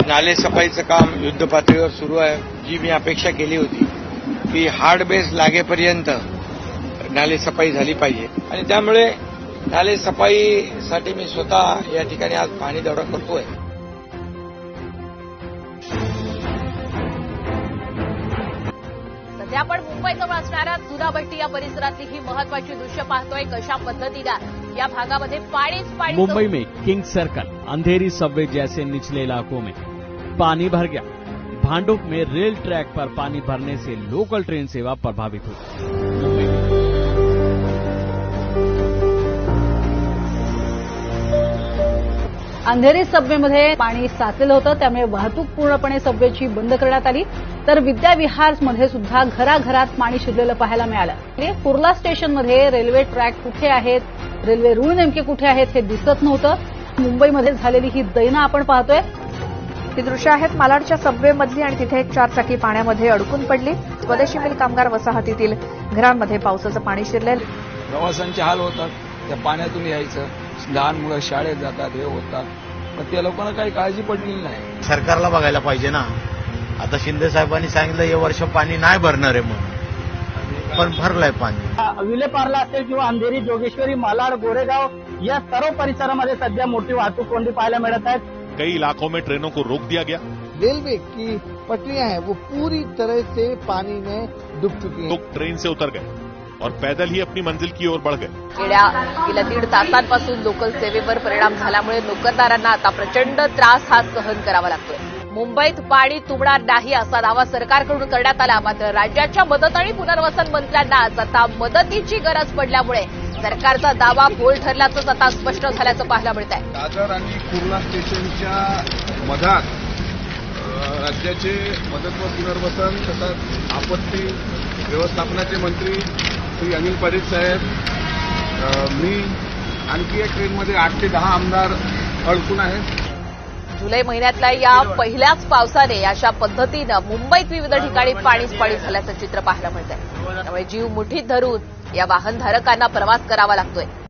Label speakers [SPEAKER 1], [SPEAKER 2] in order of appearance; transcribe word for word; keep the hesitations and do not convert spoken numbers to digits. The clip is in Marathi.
[SPEAKER 1] नाले सफाईचं काम युद्धपातळीवर सुरू आहे. जी मी अपेक्षा केली होती की हार्ड बेस लागेपर्यंत नाले सफाई झाली पाहिजे आणि त्यामुळे नाले सफाईसाठी मी स्वतः या ठिकाणी आज पाणी दौरा करतोय.
[SPEAKER 2] सध्या आपण मुंबईजवळ असणाऱ्या चुनाभट्टी या परिसरातली ही महत्वाची दृश्य पाहतोय. कशा पद्धतीनं या भागामध्ये पाणीच पाणी.
[SPEAKER 3] मुंबई में किंग सर्कल, अंधेरी सबवे जैसे निचले इलाकों में पानी भर गया. भांडुप में रेल ट्रैक पर पानी भरने से लोकल ट्रेन सेवा प्रभावित हुई.
[SPEAKER 4] अंधेरी सबवेमध्ये पाणी साचलेलं होतं, त्यामुळे वाहतूक पूर्णपणे सबवेची बंद करण्यात आली. तर विद्याविहारमध्ये सुद्धा घराघरात पाणी शिरलेलं पाहायला मिळालं. कुर्ला स्टेशनमध्ये रेल्वे ट्रॅक कुठे आहेत, रेल्वे रूळ नेमके कुठे आहेत हे दिसत नव्हतं. मुंबईमध्ये झालेली ही दैना आपण पाहतोय.
[SPEAKER 5] ही दृश्य आहेत मालाडच्या सबवेमधली आणि तिथे एक चारचाकी पाण्यामध्ये अडकून पडली. स्वदेशी मिल कामगार वसाहतीतील घरांमध्ये पावसाचं पाणी शिरले.
[SPEAKER 6] प्रवाशांचे हाल होतात, त्या पाण्यातून यायचं. लहान मुलं शाळेत जातात, हे होतात, पण त्या लोकांना काही काळजी पडलेली नाही.
[SPEAKER 7] सरकारला बघायला पाहिजे ना. आता शिंदे साहेबांनी सांगितलं हे वर्ष पाणी नाही भरणार आहे म्हणून, पण भरलंय पाणी.
[SPEAKER 8] विलेपार्ला असेल किंवा अंधेरी, जोगेश्वरी, मालाड, गोरेगाव या सर्व परिसरामध्ये सध्या मोठी वाहतूक कोंडी पाहायला मिळत आहेत.
[SPEAKER 9] कई इलाकों में ट्रेनों को रोक दिया गया.
[SPEAKER 10] रेलवे की पटरियां हैं वो पूरी तरह से पानी में डूब चुकी हैं.
[SPEAKER 9] लोग ट्रेन से उतर गए और पैदल ही अपनी मंजिल की ओर बढ़ गए.
[SPEAKER 2] गेल्या गेल्या दीड तासांपासून लोकल सेवेवर परिणाम झाल्यामुळे नोकरदारांना आता प्रचंड त्रास हा सहन करावा लागतोय. मुंबईत पाणी तुंबणार नाही असा दावा सरकारकडून करण्यात आला. मात्र राज्याच्या मदत आणि पुनर्वसन मंत्र्यांनाच आता मदतीची गरज पडल्यामुळे सरकारचा दावा बोल ठरल्याचंच आता स्पष्ट झाल्याचं पाहायला मिळत आहे.
[SPEAKER 11] दादर आणि कुर्ला स्टेशनच्या मधात राज्याचे मदत व पुनर्वसन तसंच आपत्ती व्यवस्थापनाचे मंत्री श्री अनिल परीख साहेब, मी आणखी एक ट्रेनमध्ये आठ ते दहा आमदार अडकून आहेत.
[SPEAKER 2] जुलै महिन्यातल्या या पहिल्याच पावसाने अशा पद्धतीनं मुंबईत विविध ठिकाणी पाणीच पाणी झाल्याचं चित्र पाहायला मिळत आहे. त्यामुळे जीव मुठीत धरून या वाहनधारकांना प्रवास करावा लागतोय.